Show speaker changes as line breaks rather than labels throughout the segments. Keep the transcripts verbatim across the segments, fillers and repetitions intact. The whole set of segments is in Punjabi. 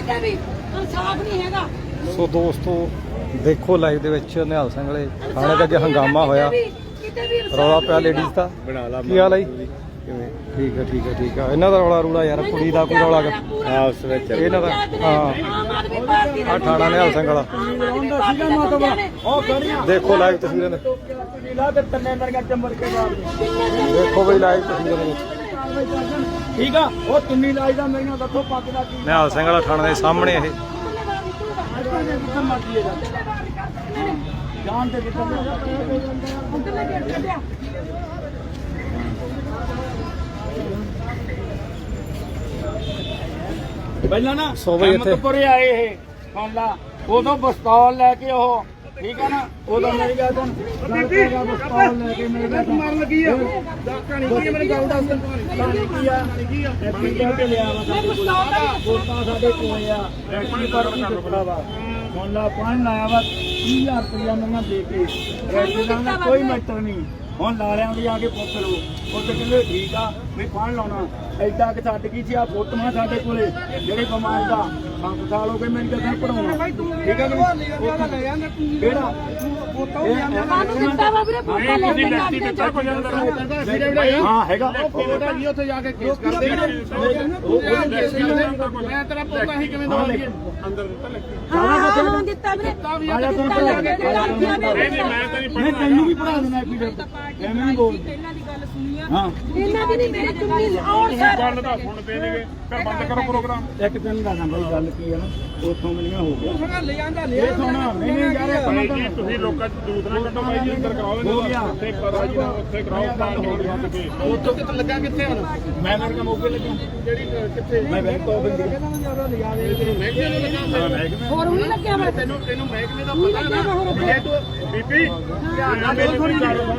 ਕਿਤੇ ਵੀ ਇਨਸਾਫ ਨਹੀਂ ਹੈਗਾ।
ਸੋ ਦੋਸਤੋ ਦੇਖੋ ਲਾਈਵ ਦੇ ਵਿੱਚ ਨਿਹਾਲ ਸਿੰਘ ਵਾਲੇ ਥਾਣੇ ਦੇ ਅੱਗੇ ਹੰਗਾਮਾ ਹੋਇਆ, ਰੌਲਾ ਪਿਆ ਲੇਡੀਜ਼ ਦਾ। ਕੀ ਹਾਲ ਹੈ ਜੀ? ਕਿਵੇਂ? ਠੀਕ ਹੈ ਠੀਕ ਹੈ ਠੀਕ ਹੈ। ਇਹਨਾਂ ਦਾ ਰੌਲਾ ਰੂਲਾ ਯਾਰ, ਕੁੜੀ ਦਾ ਕੋਈ ਰੌਲਾ ਆਪਸ ਵਿੱਚ ਇਹਨਾਂ ਦਾ। ਹਾਂ ਆ ਥਾਣਾ ਨਿਹਾਲ ਸਿੰਘ ਵਾਲਾ। ਦੇਖੋ ਲਾਈਵ ਤਸਵੀਰਾਂ ਦੇ, ਦੇਖੋ ਬਈ ਲਾਈਵ ਤਸਵੀਰਾਂ ਦੇ ਵਿੱਚ।
ਠੀਕ ਆ ਉਹ ਤੁੰਨੀ ਲਾਈ ਦਾ ਮੇਰੀਆਂ ਦੱਸੋ ਪੱਗ ਦਾ ਕੀ
ਨਿਹਾਲ ਸਿੰਘ ਵਾਲਾ ਥਾਣੇ ਦੇ ਸਾਹਮਣੇ ਇਹ
ਜਾਨ ਤੇ ਕਿੱਥੇ ਪਹਿਲਾਂ ਨਾ
ਸੋ ਬਈ ਇੱਥੇ
ਪੁਰੇ ਆਏ ਇਹ ਫਾਲਾ ਉਦੋਂ ਪਿਸਤੌਲ ਲੈ ਕੇ ਉਹ ਠੀਕ ਆ ਨਾ ਉਦੋਂ ਮੇਰੀ ਗੱਲ ਸੁਣ ਪਿਸਤੌਲ ਲੈ ਕੇ ਮੇਰੇ ਨਾਲ ਮਾਰਨ ਲੱਗੀ ਆ ਕਹਾਣੀ ਕੀ ਮੈਨੂੰ ਗੱਲ ਦੱਸ ਕਹਾਣੀ ਕੀ ਆ ਕੀ ਆ ਐਪਲੀਕੇਸ਼ਨ ਤੇ ਲਿਆ ਵਾ ਵੋਟਾਂ ਸਾਡੇ ਕੋਲ ਆ ਐਕਚੁਅਲੀ ਪਰ ਕੀ ਦਿੱਤਾ ਵਾ ਮੁੱਲਾ ਪਾਣ ਲਾਇਆ ਵਾ ਤੀਹ ਹਜ਼ਾਰ ਰੁਪਇਆ ਮੈਨੂੰ ਦੇ ਕੇ ਐਕਚੁਅਲੀ ਦਾ ਕੋਈ ਮੈਟਰ ਨਹੀਂ। ਹੁਣ ਲਾਲਿਆਂ ਦੀ ਆ ਕੇ ਪੁੱਛ ਲਓ ਉੱਥੇ ਕਹਿੰਦੇ ਠੀਕ ਆ ਵੀ ਫੜ ਲਾਉਣਾ ਐਡਾ ਕਿ ਛੱਡ ਗਈ ਸੀ ਆ ਫੋਟੋਆਂ ਸਾਡੇ ਕੋਲੇ ਜਿਹੜੇ ਬਿਮਾਰ ਦਾ ਪੰਜ ਸਾਲ ਹੋ ਗਏ ਮੈਨੂੰ ਕਿੱਥੇ ਪੜਾਉਣਾ ਠੀਕ ਆ ਕਿ ਕਿਹੜਾ ਹਾਂ ਹੈਗਾ ਫੋਟੋ ਜੀ ਉੱਥੇ ਜਾ ਕੇ ਕੇਸ ਕਰਦੇ ਮੈਂ ਤੇਰਾ ਪੋਤਾ ਹੀ ਕਿਵੇਂ ਦਵਾਂਗੇ ਅੰਦਰ
ਹਾਂ ਦਿੱਤਾ ਵੀਰੇ
ਆਇਆ ਤੂੰ ਮੈਂ ਤੈਨੂੰ ਵੀ ਪੜਾ ਦੇਣਾ ਐਪੀਡੈਟ ਐਵੇਂ ਨਹੀਂ ਬੋਲ
ਇਹਨਾਂ ਦੀ ਗੱਲ ਸੁਣੀ ਆ।
ਹਾਂ
ਇਹਨਾਂ ਦੀ ਨਹੀਂ ਮੇਰੇ ਚੁੰਨੀ ਆਉਣ ਸਰ
ਗੱਲ ਦਾ ਸੁਣ ਪਏ ਨੇਗੇ ਫਿਰ ਬੰਦ ਕਰੋ ਪ੍ਰੋਗਰਾਮ।
ਇੱਕ ਦਿਨ ਦਾ ਨੰਬਰ ਗੱਲ ਕੀ ਆ ਨਾ ਉੱਥੋਂ ਮਿਲੀਆਂ ਹੋ ਗਿਆ ਲੈ ਜਾਂਦਾ ਲੈ ਸੋਣਾ ਨਹੀਂ ਨਹੀਂ ਯਾਰ
ਭਾਈ ਜੀ ਤੁਸੀਂ ਲੋਕਾਂ ਚ ਦੂਤ ਨਾ ਕੱਢੋ ਭਾਈ ਜੀ, ਅੰਦਰ ਕਰਾਓ ਇਹਨਾਂ ਉੱਥੇ ਕਰਾ ਜੀ ਉੱਥੇ ਕਰਾਓ ਤਾਂ ਵੱਧ ਕੇ
ਉੱਥੋਂ ਕਿੱਥੇ ਲੱਗਾ ਕਿੱਥੇ ਹੁਣ ਮੈਂ ਮੇਰੇ ਕੋਲ ਮੌਕੇ ਲੱਗਾ ਜਿਹੜੀ ਕਿੱਥੇ ਮੈਂ ਬੈਂਕ ਤੋਂ ਬੰਦੀ ਮਹਿਕਮੇ ਨੂੰ ਲੱਗਾ
ਹੋਰ ਵੀ ਲੱਗਿਆ ਮੈਂ
ਤੈਨੂੰ ਤੈਨੂੰ ਮਹਿਕਮੇ ਦਾ ਪਤਾ ਨਾ ਤੂੰ
ਬੀਬੀ
ਮੇਰੀ ਥੋੜੀ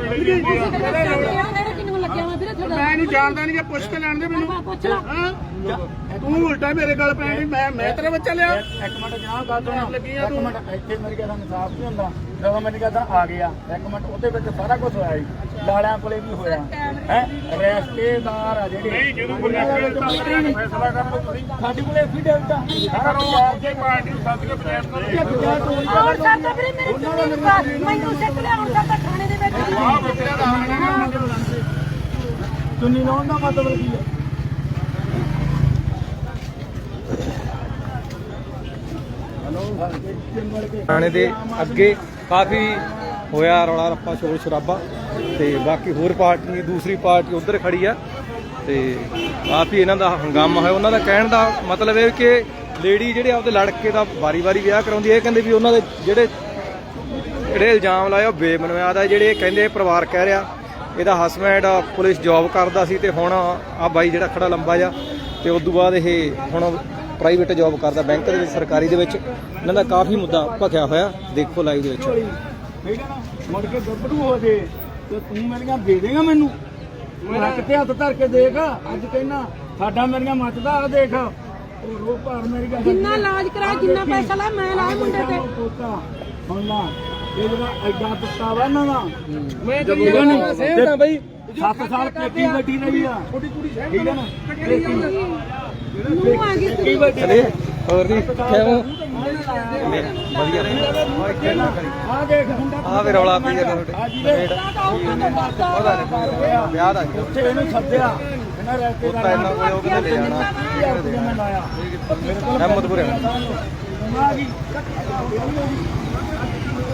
ਕਿੰਨੂੰ ਲੱਗਿਆ ਮੈਂ ਵੀਰੇ ਤੁਹਾਡਾ
ਮੈਂ ਨਹੀਂ ਜਾਣਦਾ ਨਹੀਂ ਜੇ ਪੁੱਛ ਕੇ ਲੈਣ ਦੇ ਮੈਨੂੰ
ਪੁੱਛ ਲਾ
ਤੂੰ ਉਲਟਾ ਮੇਰੇ ਗੱਲ ਪੈਣੀ ਮੈਂ ਮੈਂ ਤੇਰਾ ਬੱਚਾ ਲਿਆ ਇੱਕ ਮਿੰਟ ਜਨਾਬ ਗੱਲ ਸੁਣ ਲੱਗੀ ਆ ਤੂੰ ਇੱਕ ਮਿੰਟ ਇੱਥੇ ਮੇਰੀ ਗੱਲ ਇਨਸਾਫ ਨਹੀਂ ਹੁੰਦਾ ਜਦੋਂ ਮੈਨੂੰ ਕਹਿੰਦਾ ਆ ਗਿਆ ਇੱਕ ਮਿੰਟ ਉਹਦੇ ਵਿੱਚ ਸਾਰਾ ਕੁਝ ਹੋਇਆ ਜੀ ਲਾਲਿਆਂ ਕੋਲੇ ਵੀ ਹੋਇਆ ਹੈ ਰਿਸ਼ਤੇਦਾਰ ਆ ਜਿਹੜੇ
ਨਹੀਂ ਜਦੋਂ ਕੋਈ ਫੈਸਲਾ ਕਰ ਲਓ ਤੁਸੀਂ
ਸਾਡੇ ਕੋਲੇ ਐਫੀਡੇਵਿਟ ਆ ਸਾਰਾ ਪੰਜਾਬ ਦੇ
ਪਾਰਟੀ ਨੂੰ ਸੱਦ ਕੇ ਪੰਚਾਇਤ ਕਰੋ।
ਔਰ ਸਰ ਤਾਂ ਵੀਰੇ ਮੇਰੇ ਚੁੰਨੀ ਪਾਸ ਮੈਨੂੰ ਸਿੱਖ ਲਿਆ ਹੁਣ ਤਾਂ ਥਾਣੇ ਦੇ ਵਿੱਚ
ਆਹ ਬੱਚਿਆਂ ਦਾ ਹਾਲ ਨਾ
ਚੁੰਨੀ ਲਾਉਣ ਦਾ ਮਤਲਬ ਕੀ ਹੈ
ਥਾਣੇ ਦੇ ਅੱਗੇ ਕਾਫੀ ਹੋਇਆ ਰੌਲਾ ਰੱਪਾ ਸ਼ੋਰ ਸ਼ਰਾਬਾ, ਤੇ ਬਾਕੀ ਹੋਰ ਪਾਰਟੀ ਦੂਸਰੀ ਪਾਰਟੀ ਉੱਧਰ ਖੜੀ ਆ ਤੇ ਕਾਫੀ ਇਹਨਾਂ ਦਾ ਹੰਗਾਮਾ ਹੋਇਆ। ਉਹਨਾਂ ਦਾ ਕਹਿਣ ਦਾ ਮਤਲਬ ਇਹ ਕਿ ਲੇਡੀ ਜਿਹੜੇ ਆਪਦੇ ਲੜਕੇ ਦਾ ਵਾਰੀ ਵਾਰੀ ਵਿਆਹ ਕਰਾਉਂਦੀ, ਇਹ ਕਹਿੰਦੇ ਵੀ ਉਹਨਾਂ ਦੇ ਜਿਹੜੇ ਜਿਹੜੇ ਇਲਜ਼ਾਮ ਲਾਏ ਉਹ ਬੇਬੁਨਿਆਦ ਆ। ਜਿਹੜੇ ਕਹਿੰਦੇ ਪਰਿਵਾਰ ਕਹਿ ਰਿਹਾ ਇਹਦਾ ਹਸਬੈਂਡ ਪੁਲਿਸ ਜੌਬ ਕਰਦਾ ਸੀ ਤੇ ਹੁਣ ਆ ਬਾਈ ਜਿਹੜਾ ਖੜਾ ਲੰਬਾ ਜਾ ਤੇ ਉਸ ਤੋਂ ਬਾਅਦ ਇਹ ਹੁਣ ਪ੍ਰਾਈਵੇਟ ਜੌਬ ਕਰਦਾ ਬੈਂਕ ਦੇ ਵਿੱਚ, ਸਰਕਾਰੀ ਦੇ ਵਿੱਚ। ਇਹਨਾਂ ਦਾ ਕਾਫੀ ਮੁੱਦਾ ਭਖਿਆ ਹੋਇਆ, ਦੇਖੋ ਲਾਈਵ ਦੇ ਵਿੱਚ।
ਠੀਕ ਹੈ ਨਾ ਮੁੜ ਕੇ ਗੱਭਰੂ ਹੋ ਜੇ ਤੇ ਤੂੰ ਮੇਰੀਆਂ ਦੇ ਦੇਗਾ ਮੈਨੂੰ ਮੈਂ ਕਿਤੇ ਹੱਥ ਧਰ ਕੇ ਦੇਖ ਅੱਜ ਕਹਿਣਾ ਸਾਡਾ ਮੇਰੀਆਂ ਮੱਚਦਾ ਆ ਦੇਖ ਉਹ ਰੋ ਭਾਰ ਮੇਰੀ ਗੱਲ
ਜਿੰਨਾ ਇਲਾਜ ਕਰਾ ਜਿੰਨਾ ਪੈਸਾ ਲਾ ਮੈਂ ਲਾਇਆ ਮੁੰਡੇ ਤੇ
ਹੁਣ ਨਾ ਇਹ ਜਿਹੜਾ ਐਡਾ ਦਿੱਤਾ ਵਾ ਇਹਨਾਂ ਦਾ
ਮੈਂ ਤਾਂ ਸੇਮ ਨਾ ਬਈ
ਸੱਤ ਸਾਲ ਪੇਟੀ ਵੱਡੀ ਰਹੀ ਆ ਠੀਕ ਹੈ ਨਾ
ਨੂੰ ਆ ਗਈ
ਪੇਟੀ ਵੱਡੀ
ਚਲੇ ਹੋਰ ਦੀ ਕਿਵੇਂ ਵਧੀਆ
ਆ ਦੇਖ
ਆ ਵੀ ਰੌਲਾ ਪਈ ਜਾਂਦਾ ਤੁਹਾਡੇ ਵਿਆਹ ਦਾ
ਉੱਥੇ ਇਹਨੂੰ ਸੱਦਿਆ ਇਹਨਾਂ ਰਹਿਤੇ
ਉਹ ਤਾਂ ਇੰਨਾ ਕੋਈ ਉਹ ਕਿਤੇ ਲੈ ਜਾਣਾ
ਮੈਂ ਲਾਇਆ ਮੇਰੇ ਕੋਲ
ਅਹਿਮਦਪੁਰੇ
ਆ ਗਈ